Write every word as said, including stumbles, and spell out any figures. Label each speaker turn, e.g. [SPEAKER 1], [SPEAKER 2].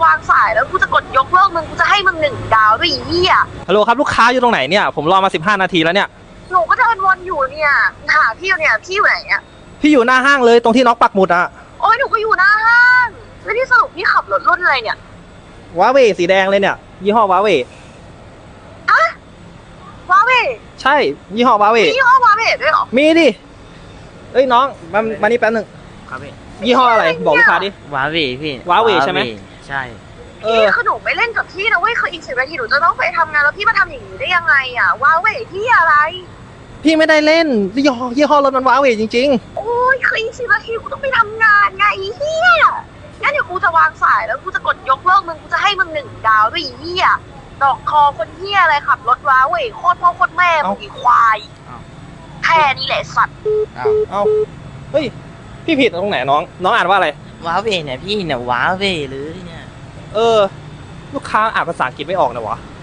[SPEAKER 1] างสายแล้วกูจะกดยกเลิกมึงกูจะให้มึงหนึ่งดาวด้วยอีเหี้ย
[SPEAKER 2] ฮัลโหลครับลูกค้าอยู่ตรงไหนเนี่ยผมรอมาสิบห้านาทีแล้วเนี่ย
[SPEAKER 1] หนูก็เดินวนอยู่เนี่ยหาพี่อยู่เนี่ยพี่อยู่ไหนอ่ะ
[SPEAKER 2] พี่อยู่หน้าห้างเลยตรงที่น้องปักหมุดอะ
[SPEAKER 1] โอ้ยหนูก็อยู่หน้าห้างแล้วที่สรุปพี่ขับรถรุ่นอะไรเนี่ยว
[SPEAKER 2] าเวสีแดงเลยเนี่ยยี่ห้อวาเว
[SPEAKER 1] อะวาเว
[SPEAKER 2] ใช่ยี่ห้อวาเว
[SPEAKER 1] ยี่ห้อวาเวด้วยเหรอ
[SPEAKER 2] มีดิเอ้ยน้องมามานี่แป๊บหนึ่ง
[SPEAKER 3] ครับพี่
[SPEAKER 2] ยี่ห้ออะไรบอกลูกค้าดิ
[SPEAKER 3] วาเวพี่
[SPEAKER 2] วาเวใช่ไหม
[SPEAKER 3] ใช่
[SPEAKER 2] เอ
[SPEAKER 1] พี่
[SPEAKER 2] อ
[SPEAKER 1] คือหนูไม่เล่นกับพี่นะเว้ยคืออีกสิบนาทีหนูจะต้องไปทำงานแล้วพี่มาทำอย่างนี้ได้ยังไงอ่ะวาเวพี่อะไร
[SPEAKER 2] พี่ไม่ได้เล่นยี่ห้อยี่ห้อรถมันวาเวจริง
[SPEAKER 1] โอ้ยคืออีกสิบนาทีกูต้องไปทำงานไงอีเหี้ยงั้นเดี๋ยวกูจะวางสายแล้วกูจะกดยกเลิกมึงกูจะให้มึงหนึ่งดาวด้วยอีเหี้ยดอกคอคนเหี้ยอะไรขับรถวาเวโคตรพ่อโคตรแม่มึงอีควายแค่นี้แหละสัตว์
[SPEAKER 3] อ้าว
[SPEAKER 2] ๆเอาเฮ้ยพี่ผิดตรงไหนน้องน้องอ่านว่าอะไร
[SPEAKER 3] วาเวเนี่ยพี่เนี่ยวาเวหรือเนี่ย
[SPEAKER 2] เออลูกค้าอ่านภาษาอังกฤษไม่ออกนะวะ